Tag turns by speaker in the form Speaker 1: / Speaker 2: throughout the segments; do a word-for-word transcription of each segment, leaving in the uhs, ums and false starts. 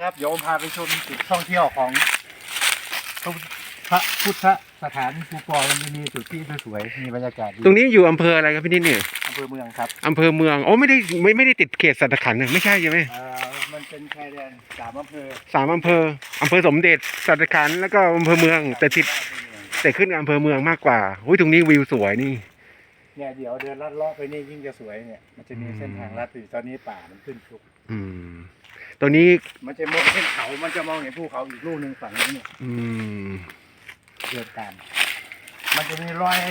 Speaker 1: ครับเดี๋ยวผมพาไปชมจุดท่องเที่ยวของพระพุทธสถานภูปอมันจะมีจุดที่สวยๆมีบรรยากาศดี
Speaker 2: ตรงนี้อยู่อำเภออะไรครับพี่นิดเนี่ย
Speaker 1: อำเภอเมืองครับ
Speaker 2: อำเภอเมืองโอ้ไม่ได้ไม่ไม่ได้ติดเขตสัตขันธ์นะไม่ใช่ใช่ไหม
Speaker 1: เอ่อมันเป็นชายแดนสามอำเภอ
Speaker 2: สามอำเภออำเภอสมเด็จสัตขันธ์แล้วก็อำเภอเมืองแต่ติดแต่ขึ้นอำเภอเมืองมากกว่าอุ้ยตรงนี้วิวสวยนี่
Speaker 1: เนี่ยเดี๋ยวเดินลัดเลาะไปนี่ยิ่งจะสวยเนี่ยมันจะมีเส้นทางลัดอยู่ตอนนี้ป่ามันขึ้นชุก
Speaker 2: อืมตัวนี้
Speaker 1: มันจะมองเส้นเขามันจะมองเห็นภูเขาอีกลูกหนึ่งฝั่งนี้เนี่ย
Speaker 2: อืม
Speaker 1: เดินตามมันจะมีรอย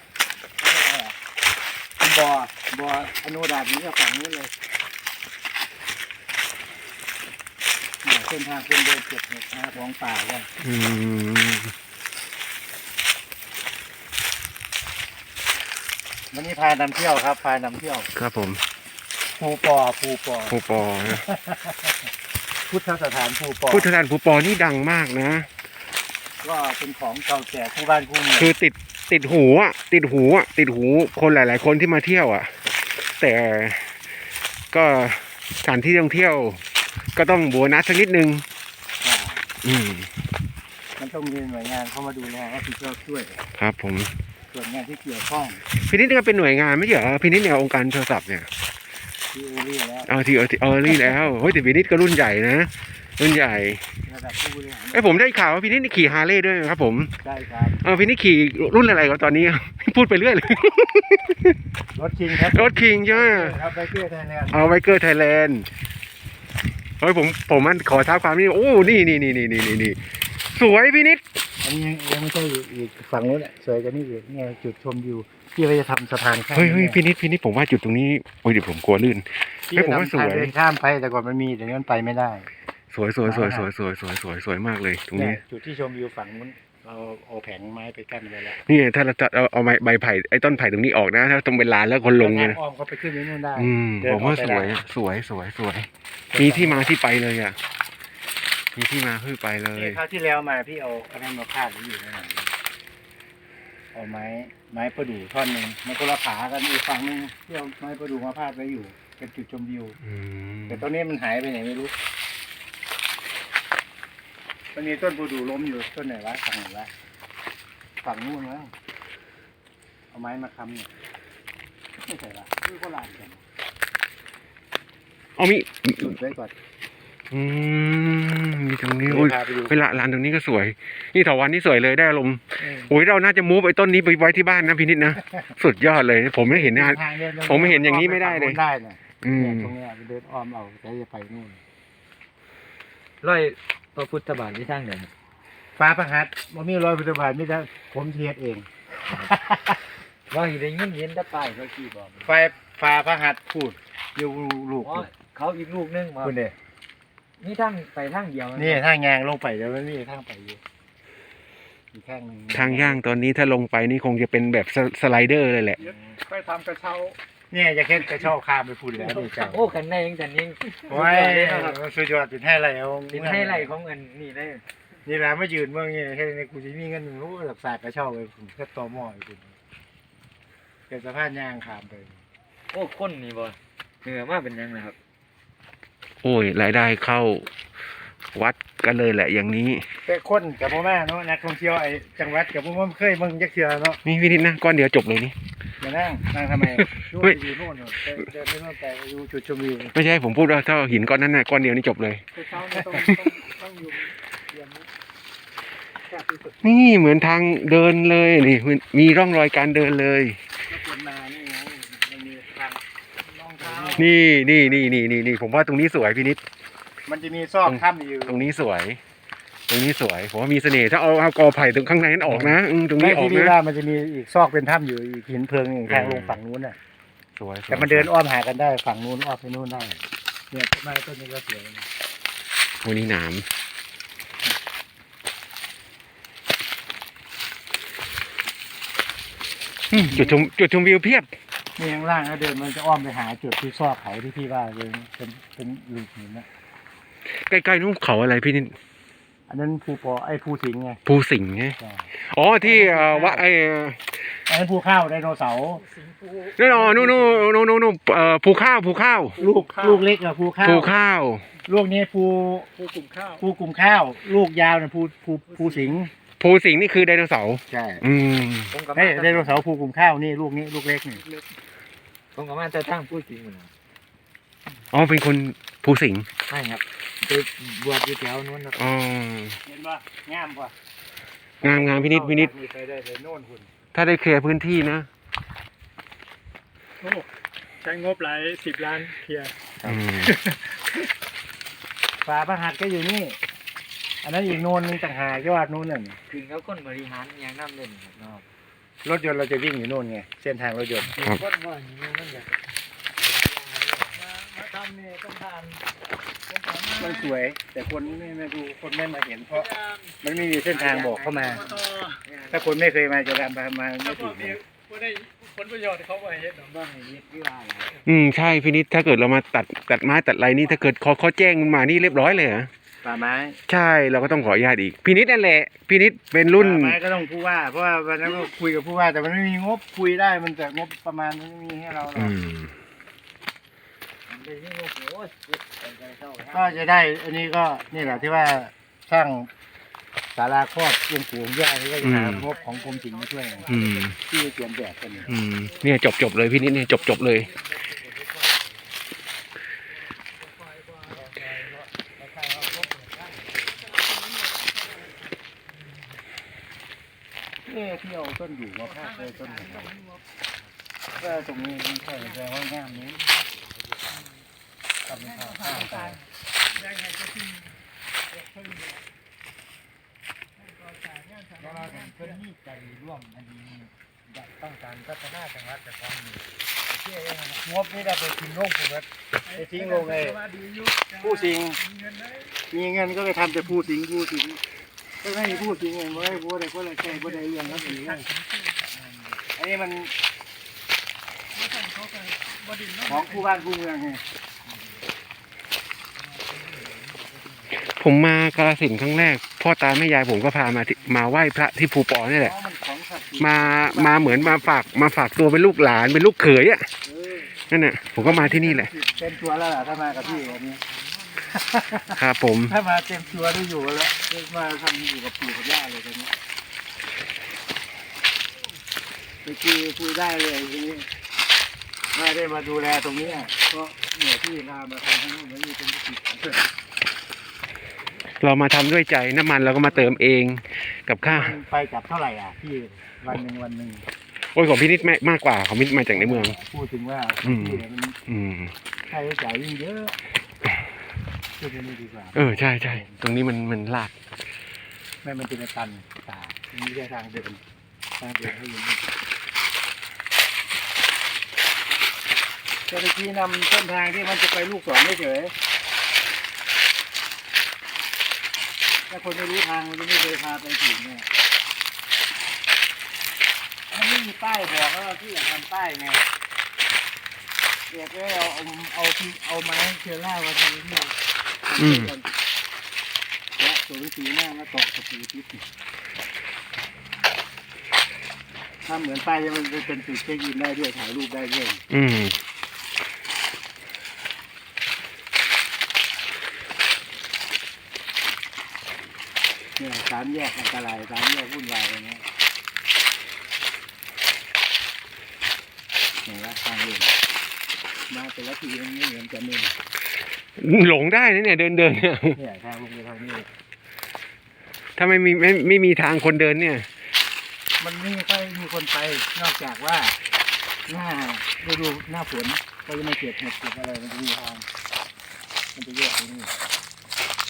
Speaker 1: บ่อบ่ออนุดาตนี้ก็ฝั่งนี้เลยเส้นทางคนเดินเก็บเห็ดนะของป่าเลย
Speaker 2: อืม
Speaker 1: วันนี้พานำเที่ยวครับพานำเที่ยว
Speaker 2: ครับผม
Speaker 1: ภูปอภูปอ
Speaker 2: ภูปอนะ
Speaker 1: พุทธสถานภูปอ
Speaker 2: พุทธสถานภูปอนี่ดังมากนะ
Speaker 1: ก็เป็นของเก่าแก่คู่บ้านคู่เมือง
Speaker 2: คือติดติดหูอ่ะติดหูอ่ะติดหูคนหลายๆคนที่มาเที่ยวอ่ะแต่ก็สถานที่ท่องเที่ยวก็ต้องโบนัสสักนิดนึงอืม
Speaker 1: มันต้องมีหน่วยงานเข้ามาดูแลรับผิดชอบช่วย
Speaker 2: ครับผม
Speaker 1: ส่วนงานที่เกี่ยวข้อง
Speaker 2: พี่นิดก็เป็นหน่วยงานไม่ใช่เหรอพี่นิดเนี่ยองค์การโทรศัพท์เนี่ย
Speaker 1: ที่เอรี่แล้ว
Speaker 2: เอาที่เออรี่แล้วเฮ้ยแต่พี่นิดก็รุ่นใหญ่นะรุ่นใหญ่
Speaker 1: ระดับผู้บริหาร
Speaker 2: ไอ้ผมได้ข่าวว่าพี่นิดนี่ขี่ฮาร์เลย์ด้วยครับผม
Speaker 1: ใช่ครับ
Speaker 2: เออพี่นิดขี่รุ่นอะไรกันตอนนี้พูดไปเรื่อยเลย
Speaker 1: รถคิงครับ
Speaker 2: รถคิงใช่ไหม
Speaker 1: ครับไบเกอร์ไทยแลนด์
Speaker 2: เอาไบเกอร์ไทยแลนด์เฮ้ยผมผมมันขอท้าความนี่โอ้นี่นี่นี่นี่นี่นี่สวยพี่นิด
Speaker 1: อันนี้ยังไม่ใช่อีกฝั่งนู้นแหละสวยกันนี่อีกเนี่ยจุดชมวิวที่เราจะทำสะพานข้าม
Speaker 2: เฮ้ยเฮ้ยพี่นิดพี่นิดผมว่าจุดตรงนี้โอ้ยเดี๋ยวผมกลัวลื่นเฮ้ยผมว่าสวย
Speaker 1: เดินข้ามไปแต่ก่อนมันมีแต่นี้มันไปไม่ได้
Speaker 2: สวยสวยสวยสวยสวยสวยสวยสวยมากเลยตรงนี้
Speaker 1: จุดที่ชมวิวฝั่งนู้นเราเอาแผงไม้ไปกั้นไว้แล้ว
Speaker 2: นี่ถ้าเราจะเอาเอาไม้ใบไผ่ไอ้ต้นไผ่ตรงนี้ออกนะถ้าตรงเป็นลานแล้วคนลงเนี่ย
Speaker 1: อ้อมเขาไปขึ้นนู่นได้
Speaker 2: อืมผมว่าสวยสวยสวยสวยมีที่มาที่ไปเลยอ่ะมีที่มาที่ไปเลย
Speaker 1: คราวที่แล้วมาพี่เอาอะไรมาพาดไว้อยู่นั่นเอาไม้ไม้ประดู่ท่อนหนึ่งมันก็ละผากันอีกฝั่งนึงที่เอาไม้ประดู่มาพาดไว้อยู่เป็นจุดชมวิวแต่ตอนนี้มันหายไปไหนไม่รู้มันมีต้นประดู่ล้มอยู่ต้นไหนวะฝั่งไหนวะฝั่งนู้นมั้งเอาไม้มาค้ำเนี่ยไม่ใช่ละคือก็ลานกัน
Speaker 2: เอามี
Speaker 1: จุดไว้ก่อน
Speaker 2: อืมมีตรงนี้โอ้ยเวลาลานตรงนี้ก็สวยนี่เถาวัลย์นี่สวยเลยได้อารมณ์โอ้ยเราน่าจะมูฟไอ้ต้นนี้ไปไว้ที่บ้านนะพี่นิดนะสุดยอดเลยผมไม่เห็นนะผมไม่เห็นอย่างนี้ไม่ได้เลย
Speaker 1: ได้เนี่ย
Speaker 2: อืม
Speaker 1: ตรงนี้เดินอ้อมเอาแต่จะไปนู่น
Speaker 3: ร้อยพระพุทธบาทที่ทางไหน
Speaker 1: ฟ้าประหัตมันมีรอยพุทธบาทไม่ได้ผมเทียดเอง
Speaker 3: ว่าอยู่ในเงี้ยเย็นได้ไปเขาขี่บอก
Speaker 1: ไฟฟ้าพระหัตพูดอยู่ลูก
Speaker 3: เขาอีกลูกนึงมา
Speaker 1: คุณเด
Speaker 3: นี่ทางไปทางเดียว
Speaker 1: นี่ทางยางลงไปเดี๋ยวนี่ทางไปอยู่อีกข้างนึง
Speaker 2: ทางย่างตอนนี้ถ้าลงไปนี่คงจะเป็นแบบสไลเดอร์เลยแหละ
Speaker 1: ไปทำกระเช้าเนี่ยจะแค่กระเช้าข้ามไปพูดแล้วนี่จ้า
Speaker 3: โอ้กันได้ยังกันยัง
Speaker 1: โอ้ยสุดยอดเป็นให้ไรเอา
Speaker 3: เป็นให้ไรของเงินนี่ได้
Speaker 1: นี่แหละไม่ยืนเมื่อไงแค่ในกูจะมีเงินหนึ่งรู้หลักศาสตร์กระเช้าเลยผมแค่ต่อหม้ออยู่เป็นสะพานย่างข้ามไป
Speaker 3: โอ้คนนี่บ่เหนือมากเป็นยังไงครับ
Speaker 2: โอ้ยรายได้เข้าวัดกันเลยแหละอย่างนี้
Speaker 1: เป็นคนกับพ่อแม่เนาะนักท่องเที่ยวไอ้จังหวัดกับพ่อแม่เคยมึงยักเชือเนาะ
Speaker 2: นี่พี่นิดนะก้อนเดียวจบเลยนี่
Speaker 1: มานั่งนั่งทำไมดูอยู่โน่นเดินไปโน่นไปดูจุดชมวิว
Speaker 2: ไม่ใช่ผมพูดว่าถ้าหินก้อนนั้นน่ะก้อนเดียวนี่จบเลยนี่เหมือนทางเดินเลยนี่มีร่องรอยการเดินเลยนี่นี่นี่นี่นี่นี่ผมว่าตรงนี้สวยพี่นิด
Speaker 1: มันจะมีซอกถ้ำอยู่
Speaker 2: ตรงนี้สวยตรงนี้สวยผมว่ามีเสน่ห์ถ้าเอาเอากอไผ่ตรงข้างในนั้นออกนะตรงนี้ออกนะ
Speaker 1: มันจะมีอีกซอกเป็นถ้ำอยู่อีกหินเพลิงทางลงฝั่งนู้นน่ะ
Speaker 2: สวย
Speaker 1: แต่มันเดินอ้อมหากันได้ฝั่งนู้นอ้อมไปนู้นได้เนี่ยต้นไม้ต้นนี้ก็สวย
Speaker 2: วันนี้หนามจุดชมจุดชมวิวเพียบ
Speaker 1: นี่ข้างล่างแล้วเดินมันจะอ้อมไปหาจุดที่ซอกเขาที่พี่ว่าเลยเป็นเป็นลูกหินนะ
Speaker 2: ใกล้ๆนู้นเขาอะไรพี่นิด
Speaker 1: อันนั้นภูปอไอ้ภูสิงห์ไง
Speaker 2: ภูสิงห์ไงอ๋อที่วัดไอ้
Speaker 1: อันนั้นภูข้าวไดโนเสาร์
Speaker 2: นั่นอ๋อนู่นนู่นนู่นนู่นนู่นเอ่อภูข้าวภูข้าว
Speaker 1: ลูกลูกเล็กอะภูข้าว
Speaker 2: ภูข้าว
Speaker 1: ลูกนี้ภู
Speaker 3: ภูกลุ่มข้าว
Speaker 1: ภูกลุ่มข้าว ลูกยาวเนี่ยภูภูภูสิงห์
Speaker 2: ภูสิงห์นี่คือไดโนเสาร์
Speaker 1: ใช่
Speaker 2: อืม
Speaker 3: ผมกับ
Speaker 1: เฮ้ยไดโนเสาร์ภูกลุ่มข้าวนี่ลูกนี้ลูกเล็กนี่
Speaker 3: ผมกับมาจะตั้งผู้จริงเหมือนกัน
Speaker 2: อ๋อเป็นคนภูสิงห์
Speaker 3: ใช่ครับไปบวชอยู่แถวนู้นนะ
Speaker 2: อ๋อ
Speaker 1: เห็นป่ะงามป่ะ
Speaker 2: งามงามพินิจพินิจ
Speaker 1: มีใครได้เลยโน่นคุณ
Speaker 2: ถ้าได้เคลียร์พื้นที่นะ
Speaker 4: โอ้ใช้งบหลายสิบล้านเคลียร์
Speaker 2: อืม
Speaker 1: ฝาพระหัตถ์ก็อยู่นี่ อันนั้นอีกโน่นนึงต่างหากยอดนู้นน่ะ
Speaker 3: ถึงเขาคนบริหารยังน้ำเล่นครับเนาะ
Speaker 1: รถยนต์เราจะวิ่งอยู่โน่นไงเส้นทางรถยนต์
Speaker 3: คนว่าอย่างนี้นั่นแหละ
Speaker 4: มาทำเนี่ยต้องทาน
Speaker 1: มันสวย แต่คนไม่ไม่ดูคนไม่มาเห็นเพราะมันไม่มีเส้นทางบอกเข้ามา ถ้าคนไม่เคยมาจะทำมามาไม่
Speaker 4: ถ้าพ
Speaker 1: ถู
Speaker 4: วก
Speaker 1: ก
Speaker 4: นี้พวกได้ผลประโยชน์เขาไปเฮ็ดหรอ
Speaker 3: บ้างอย่างนี้ที่ว่าอะไร
Speaker 2: อืมใช่พินิจถ้าเกิดเรามาตัดตัดไม้ตัดอะไรนี่ถ้าเกิดเขาเขาแจ้งมันมานี่เรียบร้อยเลยเหรอ
Speaker 1: ป่าไม้
Speaker 2: ใช่เราก็ต้องขออนุญาตอีกพินิจนั่นแหละพินิจเป็นรุ่น
Speaker 1: ป่าไม้ก็ต้องผู้ว่า เพราะว่าวันนั้นก็คุยกับผู้ว่า แต่มันไม่มีงบคุยได้มันแต่งบประมาณมันไม่มีให้เราหรอ
Speaker 2: อื
Speaker 1: ก
Speaker 2: ม
Speaker 3: มันเป็นที่โอ้โหเป็นใจเศร้า
Speaker 1: ก็จะได้ อันนี้ก็นี่แหละที่ว่าสร้างศาลาครอบหลวงปู่หลวงย่านี่ก็จะหางบของกรมศิลป์มาช่วย
Speaker 2: อืม
Speaker 1: ที่เตรียมแบบกันอยู่
Speaker 2: อืมเนี่ยจบจบเลยพินิจเนี่ยจบจบเลย
Speaker 1: เอ๊ะที่เอาต้นอยู่มาพาดเลยต้นไหนก็ตรงนี้ไม่ใช่แสดงว่างามนี้ทำเป็นข้าวข้าวตาย
Speaker 3: แล้วเราถึงเพิ่นมีใจร่วมอันนี้อยากต้องการพัฒนาจังหวัดแต่ความนี้เชื่อยังไง
Speaker 1: งบนี่ได้ไปทิ้งโรงผมว่าไปทิ้งโรงไอ้ผู้สิงมีเงินก็ไปทำแต่ผู้สิงผู้สิงก็ไม่มีผู้สิงเงินบ่ได้บ่ได้ก็เลยแค่บ่ได้เรื่องแล้วสิอันนี้มันของผู้บ้านผู้เมืองไง
Speaker 2: ผมมากาฬสินธุ์ครั้งแรกพ่อตาแม่ยายผมก็พามาที่มาไหว้พระที่ภูปอนี่แหละ
Speaker 1: อ๋อมันของศักดิ์สิทธิ์
Speaker 2: มามาเหมือนมาฝากมาฝากตัวเป็นลูกหลานเป็นลูกเขยอ่ะ
Speaker 1: เออ
Speaker 2: นั่นน่ะผมก็มาที่นี่แหละ
Speaker 1: เต็มตัวแล้วล่ะถ้ามากับพี่วันนี้
Speaker 2: ครับผม
Speaker 1: ถ้ามาเต็มตัวได้อยู่แล้วมาทำอยู่กับปู่กับย่าเลยตอนนี้ไปคุยคุยได้เลยทีนี้ไม่ได้มาดูแลตรงนี้อ่ะก็เนี่ยที่พามาทำทั้งหมดนี่เป็นกิจของเพื่อน
Speaker 2: เรามาทำด้วยใจน้ำมันเราก็มาเติมเองกับข้าว
Speaker 1: มันไปกลับเท่าไหร่อ่ะพี่วันหนึ่งวันหนึ่ง
Speaker 2: โอ้ยของพี่นิดแม่มากกว่าของพี่นิดมาจากในเมือง
Speaker 1: พูดถึงว่า
Speaker 2: อืม
Speaker 1: ที่เนี่ยมัน
Speaker 2: อืม
Speaker 1: ค่าใช้จ่ายยิ่งเยอะพูดตรงนี้ดีกว่า
Speaker 2: เออใช่ใช่ตรงนี้มันมันลาด
Speaker 1: ไม่มันเป็นตันตามีแค่ทางเดินทางเดินให้อยืนเจ้าหน้าที่นำเส้นทางที่มันจะไปลูกศรเฉยๆถ้าคนไม่รู้ทางมันจะไม่เคยพาไปถึงเนี่ยมันไม่มีป้ายบอกแล้วที่อยากทำป้ายไงเดี๋ยวก็เอาเอาเอาที่เอาไม้เชื้อรามาทำที่
Speaker 2: อืม
Speaker 1: และตัวหนังสือหน้ามาตอกตะปูทิศถ้าเหมือนป้ายมันจะเป็นจุดเช็คอินได้ด้วยถ่ายรูปได้ด้วย
Speaker 2: อืม
Speaker 1: เนี่ยสามแยกอันตรายสามแยกวุ่นวายอะไรเงี้ยเนี่ยว่าทางเดินมาแต่ละทีมันไม่เหมือนกันเลย
Speaker 2: หลงได้นะเนี่ยเดินเดินเนี่ย
Speaker 1: เนี่ยทางลงไปทางนี้
Speaker 2: ถ้าไม่มีไม่ไม่มีทางคนเดินเนี่ย
Speaker 1: มันไม่ค่อยมีคนไปนอกจากว่าหน้าฤดูหน้าฝนก็จะไม่เก็บเห็ดเก็บอะไรมันจะมีทางมันจะแยกตรงนี้